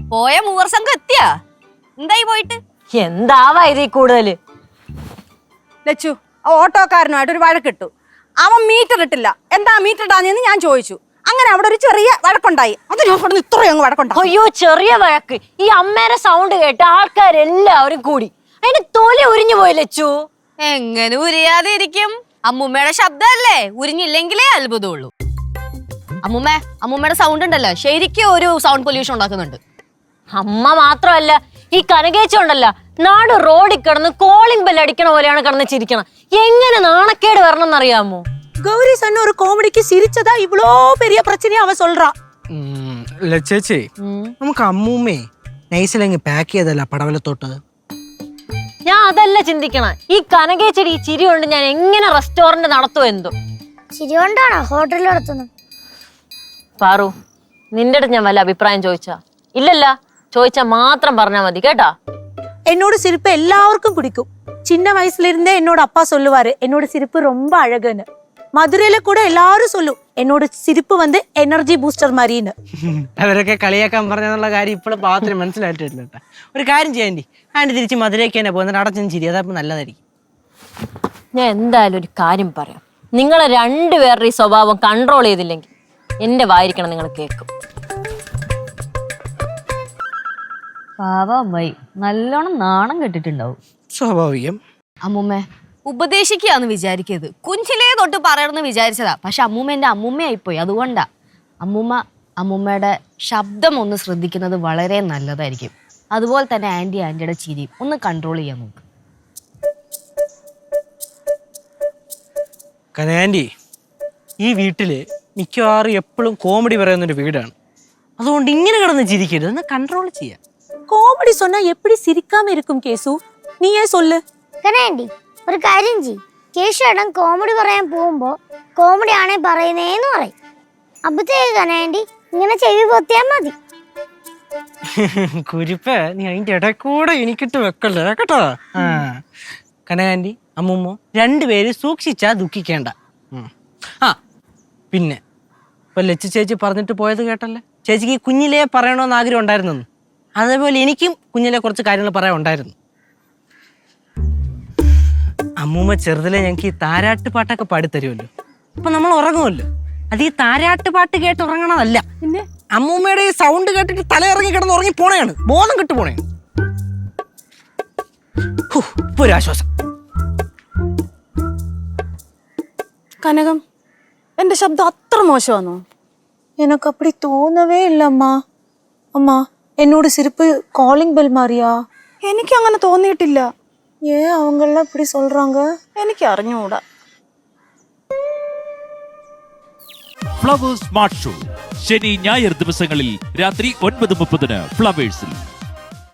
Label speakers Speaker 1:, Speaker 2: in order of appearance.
Speaker 1: പോയ മൂവർ സംഘം എത്തിയാ? എന്തായി പോയിട്ട്?
Speaker 2: എന്താവാ ഇതീ കൂടുതല്?
Speaker 3: ലച്ചു ഓട്ടോക്കാരനുമായിട്ട് ഒരു വഴക്കിട്ടു. അവൻ മീറ്റർ ഇട്ടില്ല. എന്താ മീറ്റർ ഇടാഞ്ഞെന്ന് ഞാൻ ചോദിച്ചു. അങ്ങനെ അവിടെ ഒരു ചെറിയ വഴക്കുണ്ടായി. അതിന് ഇത്രയും വഴക്കുണ്ടായി.
Speaker 2: അയ്യോ, ചെറിയ വഴക്ക്. ഈ അമ്മേരെ സൗണ്ട് കേട്ട് ആൾക്കാരെല്ലാവരും കൂടി അതിന് തൊലി ഉരിഞ്ഞു പോയി ലച്ചു.
Speaker 1: എങ്ങനെ ഉരിയാതെ ഇരിക്കും? അമ്മൂമ്മയുടെ ശബ്ദമല്ലേ, ഉരിഞ്ഞില്ലെങ്കിലേ അത്ഭുതമുള്ളൂ. അമ്മൂമ്മയുടെ സൗണ്ട് ഉണ്ടല്ലോ, ശരിക്കും ഒരു സൗണ്ട് പൊല്യൂഷൻ ഉണ്ടാക്കുന്നുണ്ട്.
Speaker 2: അമ്മ മാത്രമല്ല, ഈ കനകേച്ചുണ്ടല്ല, നാട് റോഡിൽ കിടന്ന് കോളിംഗ് ബെൽ അടിക്കണ പോലെയാണ് കിടന്ന് ചിരിക്കണം. എങ്ങനെ നാണക്കേട് വരണം എന്നറിയാമോ?
Speaker 4: கௌரி சொன்ன ஒரு காமெடிக்கு சிரிச்சதா இவ்வளோ பெரிய பிரச்சனையா அவ சொல்றா.
Speaker 5: ചേച്ചി, നമുക്ക് അമ്മൂമ്മേ നൈസിലങ്ങ് പാക്ക് ചെയ്തല്ല പടവലത്തോട്ട്.
Speaker 2: ഞാൻ അതല്ല ചിന്തിക്കണ, ഈ കനകേച്ചടി ഈ ചിരി കൊണ്ട് ഞാൻ എങ്ങനെ റെസ്റ്റോറന്റ് നടത്തുമോ എന്തോ.
Speaker 6: ചിരി കൊണ്ടാണോ ഹോട്ടൽ നടത്തുന്നത്?
Speaker 2: പാറു, നിന്റെ അടുത്ത് ഞാൻ വല്ല അഭിപ്രായം ചോദിച്ചാ? ഇല്ലല്ല, ചോദിച്ചാ മാത്രം പറഞ്ഞാ മതി കേട്ടാ.
Speaker 4: என்னோட சிரிப்பு எல்லாருக்கும் பிடிக்கும். சின்ன வயசுல இருந்தே என்னோட அப்பா சொல்லுவாரு என்னோட சிரிப்பு ரொம்ப அழகுன்னு. മധുരയിലെ കൂടെ എല്ലാരും ചൊല്ലും എന്നോട് സിരിപ്പ് വന്ന് എനർജി ബൂസ്റ്റർ മാറിയെന്ന്.
Speaker 5: അവരൊക്കെ കളിയാക്കാൻ പറഞ്ഞെന്നുള്ള കാര്യം ഇപ്പോഴും പാവത്തിന് മനസ്സിലായിട്ടില്ല കേട്ടോ. ഒരു കാര്യം ചെയ്യാൻ ആൻറ്റി തിരിച്ച് മധുരയ്ക്ക് തന്നെ പോകുന്നത് അടച്ചും ചിരി, അതപ്പോൾ നല്ലതായിരിക്കും.
Speaker 2: ഞാൻ എന്തായാലും ഒരു കാര്യം പറയാം. നിങ്ങളെ രണ്ടുപേരുടെ ഈ സ്വഭാവം കൺട്രോൾ ചെയ്തില്ലെങ്കിൽ എന്റെ വായിരിക്കണം നിങ്ങൾ കേൾക്കും.
Speaker 1: പാവമായി നല്ലോണം നാണം കെട്ടിട്ടുണ്ടാവും.
Speaker 5: സ്വാഭാവികം.
Speaker 1: അമ്മൂമ്മ ഉപദേശിക്കാന്ന് വിചാരിക്കരുത്. കുഞ്ഞിലേ തൊട്ട് പറയണമെന്ന് വിചാരിച്ചതാ. പക്ഷെ അമ്മൂമ്മ എൻ്റെ അമ്മൂമ്മയായിപ്പോയി. അതുകൊണ്ടാ. അമ്മൂമ്മയുടെ ശബ്ദം ഒന്ന് ശ്രദ്ധിക്കുന്നത് വളരെ നല്ലതായിരിക്കും. അതുപോലെ തന്നെ ആൻറ്റിയുടെ ചിരി ഒന്ന് കൺട്രോൾ ചെയ്യാൻ നോക്ക്.
Speaker 5: ആൻറ്റി, ഈ വീട്ടില് മിക്കവാറും എപ്പോഴും കോമഡി പറയുന്നൊരു വീടാണ്. അതുകൊണ്ട് ഇങ്ങനെ കിടന്ന് ചിരിക്കരുത്, ഒന്ന് കൺട്രോൾ ചെയ്യാം.
Speaker 4: കോമഡി சொன்னா எப்படி சிரிக்காம இருக்கும் கேசு? നീയേ சொல்லு.
Speaker 6: കനാൻഡി, ഒരു കാര്യം ചെയ്യ്. കേശുവേട്ടൻ കോമഡി പറയാൻ പോകുമ്പോ കോമഡി ആണേ പറയുന്നേന്ന് പറയും. അപ്പത്തേക്ക് കനാൻഡി ഇങ്ങനെ ചെവി പൊത്തിയാ മതി.
Speaker 5: കുരിപ്പ്, നീ അതിന്റെ ഇടയിൽ കൂടെ എനിക്കിട്ട് വെക്കല്ലേ കേട്ടോ. കനകാൻറ്റി, അമ്മൂമ്മ രണ്ടുപേര് സൂക്ഷിച്ചാ ദുഃഖിക്കേണ്ട. പിന്നെ ഇപ്പൊ ലച്ചു ചേച്ചി പറഞ്ഞിട്ട് പോയത് കേട്ടല്ലേ, ചേച്ചിക്ക് കുഞ്ഞിലേ പറയണമെന്ന് ആഗ്രഹം ഉണ്ടായിരുന്നു. അതേപോലെ എനിക്കും കുഞ്ഞിലെ കുറച്ച് കാര്യങ്ങൾ പറയാൻ ഉണ്ടായിരുന്നു. അമ്മൂമ്മ ചെറുതിലെ ഞങ്ങൾക്ക് ഈ താരാട്ട് പാട്ടൊക്കെ പാടിത്തരുമല്ലോ. അപ്പൊ നമ്മൾ ഉറങ്ങുമല്ലോ. അത് ഈ താരാട്ട് പാട്ട് കേട്ട് ഉറങ്ങണതല്ല, പിന്നെ അമ്മൂമ്മയുടെ ഈ സൗണ്ട് കേട്ടിട്ട് തല ഇറങ്ങി കിടന്ന് ഉറങ്ങി പോണേയാണ്, ബോധം കിട്ടു പോണേയാണ്. ഇപ്പൊ ഒരു ആശ്വാസം.
Speaker 3: കനകം, എന്റെ ശബ്ദം അത്ര മോശമാണോ?
Speaker 4: எனக்கு அப்படி தோணவே இல்லம்மா. அம்மா, என்னோட சிரிப்பு காலிங் பெல் மாதிரியா?
Speaker 3: എനിക്ക് അങ്ങനെ തോന്നിയിട്ടില്ല.
Speaker 4: ஏன் அவங்கெல்லாம் இப்படி சொல்றாங்க?
Speaker 3: എനിക്ക് അറിഞ്ഞൂടാ.
Speaker 7: ഫ്ലവേഴ്സ് സ്മാർട്ട് ഷോ ശനി ഞായർ ദിവസങ്ങളിൽ രാത്രി 9:30 ഫ്ലവേഴ്സിൽ.